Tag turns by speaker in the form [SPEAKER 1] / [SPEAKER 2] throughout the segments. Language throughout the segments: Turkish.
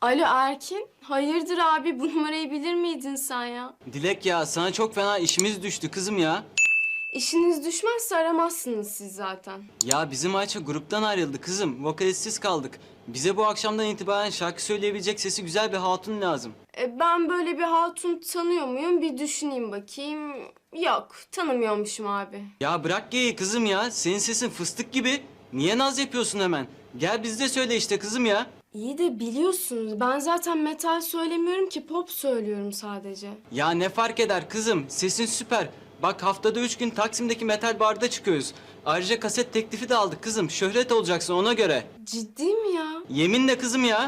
[SPEAKER 1] Alo Erkin, hayırdır abi bu numarayı bilir miydin sen ya?
[SPEAKER 2] Dilek ya sana çok fena işimiz düştü kızım ya.
[SPEAKER 1] İşiniz düşmezse aramazsınız siz zaten.
[SPEAKER 2] Ya bizim Ayça gruptan ayrıldı kızım. Vokalistsiz kaldık. Bize bu akşamdan itibaren şarkı söyleyebilecek sesi güzel bir hatun lazım.
[SPEAKER 1] Ben böyle bir hatun tanıyor muyum bir düşüneyim bakayım. Yok, tanımıyormuşum abi.
[SPEAKER 2] Ya bırak geyi kızım ya. Senin sesin fıstık gibi. Niye naz yapıyorsun hemen? Gel bizde söyle işte kızım ya.
[SPEAKER 1] İyi de biliyorsunuz ben zaten metal söylemiyorum ki pop söylüyorum sadece.
[SPEAKER 2] Ya ne fark eder kızım? Sesin süper. Bak haftada 3 gün Taksim'deki metal barda çıkıyoruz. Ayrıca kaset teklifi de aldık kızım. Şöhret olacaksın ona göre.
[SPEAKER 1] Ciddi mi ya?
[SPEAKER 2] Yeminle kızım ya.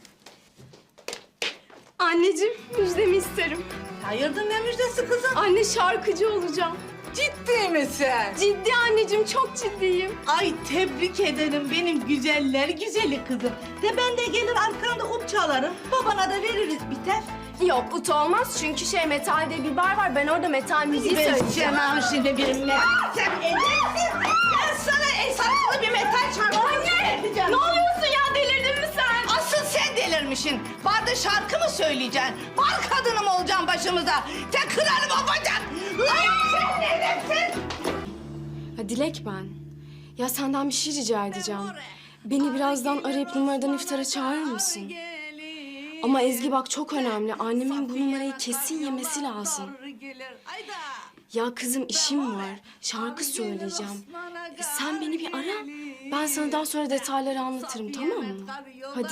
[SPEAKER 1] Anneciğim müjdemi isterim.
[SPEAKER 3] Hayırdır ne müjdesi kızım?
[SPEAKER 1] Anne şarkıcı olacağım.
[SPEAKER 3] Ciddi misin?
[SPEAKER 1] Ciddi anneciğim çok ciddiyim.
[SPEAKER 3] Ay tebrik ederim benim güzeller güzeli kızım. De ben de gelir arkanda up çalarım. Babana da veririz biter.
[SPEAKER 1] Yok ut olmaz çünkü metalde bir bar var. Ben orada metal müziği
[SPEAKER 3] Ben
[SPEAKER 1] söyleyeceğim.
[SPEAKER 3] sana şimdi benimle. Sen edersin. Ben sana esaslı bir metal şarkı söyleyeceğim.
[SPEAKER 1] Ne oluyorsun ya delirdin mi sen?
[SPEAKER 3] Asıl sen delirmişsin. Barda şarkı mı söyleyeceksin? Bar kadını mı olacaksın başımıza? Sen kırarım o bacak. Lan sen neredesin?
[SPEAKER 1] Ha Dilek ben. Ya senden bir şey rica edeceğim. Beni birazdan arayıp numaradan iftara çağırır mısın? Ama Ezgi bak çok önemli. Annemin bu numarayı kesin yemesi lazım. Ya kızım işim var. Şarkı söyleyeceğim. Sen beni bir ara. Ben sana daha sonra detayları anlatırım tamam mı? Hadi.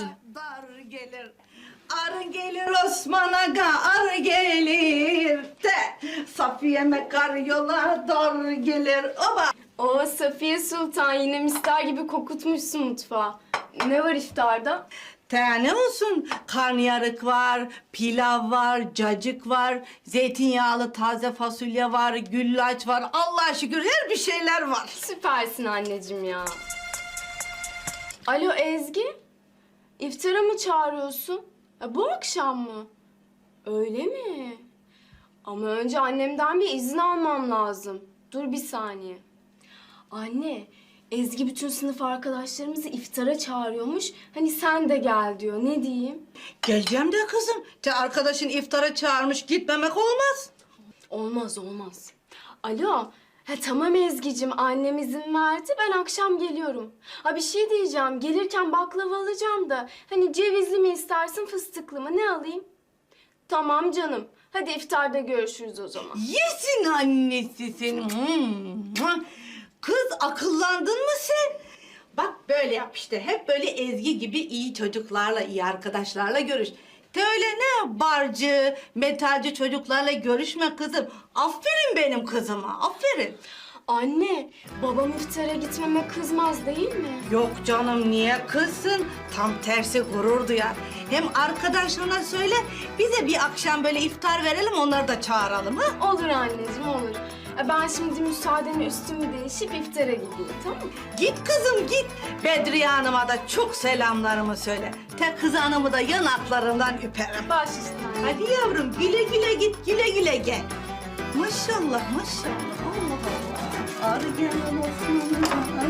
[SPEAKER 3] Arı gelir Osman Aga, arı gelir de Safiye'me kar yola dar gelir. Oba!
[SPEAKER 1] O Safiye Sultan yine misler gibi kokutmuşsun mutfağı. Ne var iftarda?
[SPEAKER 3] Ne olsun? Karnıyarık var, pilav var, cacık var, zeytinyağlı taze fasulye var, güllaç var. Allah'a şükür her bir şeyler var.
[SPEAKER 1] Süpersin anneciğim ya. Alo Ezgi. İftara mı çağırıyorsun? Bu akşam mı? Öyle mi? Ama önce annemden bir izin almam lazım. Dur bir saniye. Anne, Ezgi bütün sınıf arkadaşlarımızı iftara çağırıyormuş. Hani sen de gel diyor. Ne diyeyim?
[SPEAKER 3] Geleceğim de kızım. Arkadaşın iftara çağırmış, gitmemek olmaz.
[SPEAKER 1] Olmaz, olmaz. Alo. Tamam Ezgi'cim, annem izin verdi. Ben akşam geliyorum. Bir şey diyeceğim. Gelirken baklava alacağım da. Hani cevizli mi istersin, fıstıklı mı? Ne alayım? Tamam canım. Hadi iftarda görüşürüz o zaman.
[SPEAKER 3] Yesin annesi seni. Kız akıllandın mı sen? Bak böyle yap işte. Hep böyle Ezgi gibi iyi çocuklarla, iyi arkadaşlarla görüş. De öyle ne barcı, metalci çocuklarla görüşme kızım. Aferin benim kızıma, aferin.
[SPEAKER 1] Anne, babam iftara gitmeme kızmaz değil mi?
[SPEAKER 3] Yok canım niye kızsın? Tam tersi gurur duyar. Hem arkadaşlarına söyle bize bir akşam böyle iftar verelim onları da çağıralım ha?
[SPEAKER 1] Olur anneciğim, olur. Ben şimdi müsaadenle üstümü değişip iftara gideyim, tamam mı?
[SPEAKER 3] Git kızım git. Bedriye Hanım'a da çok selamlarımı söyle. Tek kız hanımı da yanaklarından öperim.
[SPEAKER 1] Baş üstüne.
[SPEAKER 3] Hadi yavrum güle güle git güle güle gel. Maşallah maşallah Allah Allah. Arı gelen olsun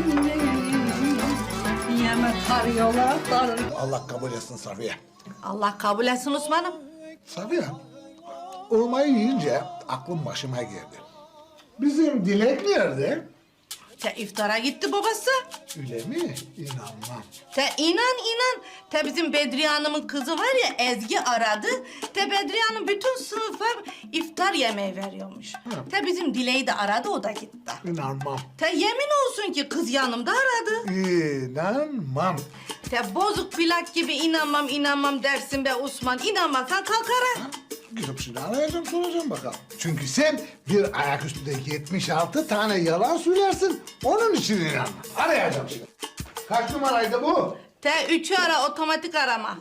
[SPEAKER 3] yeme karyola dar.
[SPEAKER 4] Allah kabul etsin Safiye.
[SPEAKER 3] Allah kabul etsin Osman'ım.
[SPEAKER 4] Safiye, olmayı yiyince aklım başıma geldi. Bizim Dilek nerede?
[SPEAKER 3] İftara gitti babası.
[SPEAKER 4] Öyle mi? İnanmam.
[SPEAKER 3] İnan. Bizim Bedriye Hanım'ın kızı var ya Ezgi aradı. Bedriye Hanım bütün sınıfa iftar yemeği veriyormuş. Bizim Dileği de aradı o da gitti.
[SPEAKER 4] İnanmam.
[SPEAKER 3] Yemin olsun ki kız yanımda aradı.
[SPEAKER 4] İnanmam.
[SPEAKER 3] Bozuk plak gibi inanmam dersin be Osman. İnanmazsan kalk ara.
[SPEAKER 4] Gidip şimdi arayacağım soracağım bakalım. Çünkü sen bir ayaküstü de 76 tane yalan söylersin. Onun için inanmam. Arayacağım şimdi. Kaç numaraydı bu?
[SPEAKER 3] Üçü ara otomatik arama.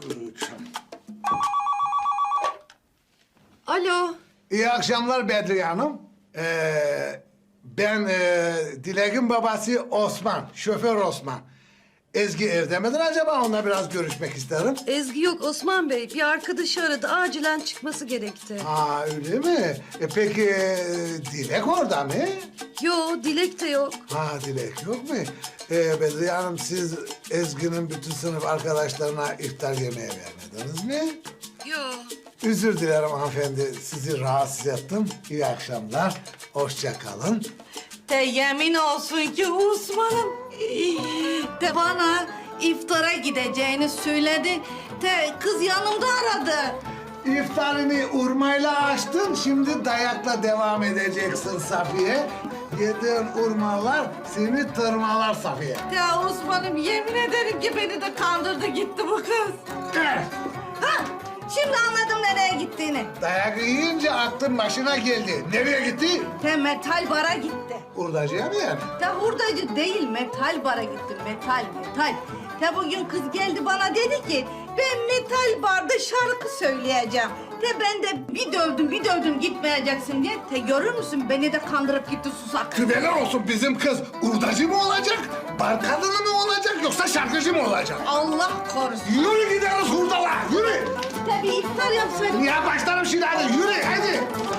[SPEAKER 3] Alo.
[SPEAKER 4] İyi akşamlar Bedriye Hanım. Ben Dilek'in babası Osman, şoför Osman. Ezgi evde midir acaba? Onunla biraz görüşmek isterim.
[SPEAKER 5] Ezgi yok Osman Bey. Bir arkadaşı aradı. Acilen çıkması gerekti.
[SPEAKER 4] Ha öyle mi? Peki Dilek orada mı?
[SPEAKER 5] Yo, Dilek de yok.
[SPEAKER 4] Ha Dilek yok mu? Bedriye Hanım siz Ezgi'nin bütün sınıf arkadaşlarına iftar yemeği vermediniz mi?
[SPEAKER 5] Yo.
[SPEAKER 4] Özür dilerim hanımefendi. Sizi rahatsız ettim. İyi akşamlar. Hoşça kalın.
[SPEAKER 3] De yemin olsun ki Osman'ım de bana iftara gideceğini söyledi. De kız yanımda aradı.
[SPEAKER 4] İftarını urmayla açtın. Şimdi dayakla devam edeceksin Safiye. Yediğin urmalar seni tırmalar Safiye.
[SPEAKER 3] De Osman'ım yemin ederim ki beni de kandırdı gitti bu kız. Ha, şimdi anladım nereye gittiğini.
[SPEAKER 4] Dayak yiyince aklın başına geldi. Nereye gitti?
[SPEAKER 3] De metal bara gitti.
[SPEAKER 4] Hurdacıya mı yani?
[SPEAKER 3] De hurdacı değil metal bara gitti metal. De bugün kız geldi bana dedi ki ben metal barda şarkı söyleyeceğim. De ben de bir dövdüm gitmeyeceksin diye. De görür müsün beni de kandırıp gitti susak.
[SPEAKER 4] Kübeler olsun bizim kız. Hurdacı mı olacak? Bar kadını mı olacak yoksa şarkıcı mı olacak?
[SPEAKER 3] Allah korusun.
[SPEAKER 4] Yürü gideriz hurdala. Yürü.
[SPEAKER 3] De bir iftar yapsaydım.
[SPEAKER 4] Ya başlarım şimdi hadi. Yürü hadi.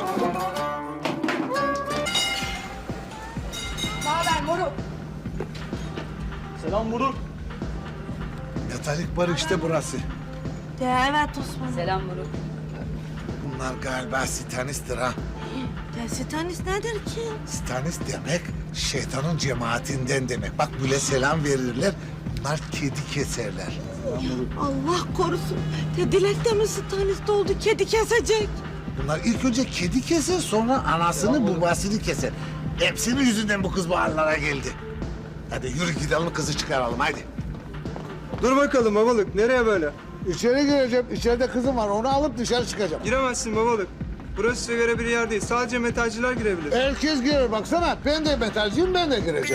[SPEAKER 3] Haber moruk.
[SPEAKER 2] Selam Buruk.
[SPEAKER 4] Metalik bar işte burası.
[SPEAKER 3] De evet Osman.
[SPEAKER 5] Selam Buruk.
[SPEAKER 4] Bunlar galiba sitanisttir ha.
[SPEAKER 3] De Sitanis nedir ki?
[SPEAKER 4] Sitanist demek şeytanın cemaatinden demek. Bak böyle selam verirler. Bunlar kedi keserler.
[SPEAKER 3] Allah korusun. De Dilek de mi Sitanis oldu kedi kesecek?
[SPEAKER 4] Bunlar ilk önce kedi keser sonra anasını babasını keser. Hepsinin yüzünden bu kız bu hallere geldi. Hadi yürü gidelim kızı çıkaralım hadi.
[SPEAKER 6] Dur bakalım babalık, nereye böyle?
[SPEAKER 4] İçeri gireceğim. İçeride kızım var. Onu alıp dışarı çıkacağım.
[SPEAKER 6] Giremezsin babalık. Burası size göre bir yer değil. Sadece metalciler girebilir.
[SPEAKER 4] Herkes girer baksana. Ben de metalciyim ben de gireceğim.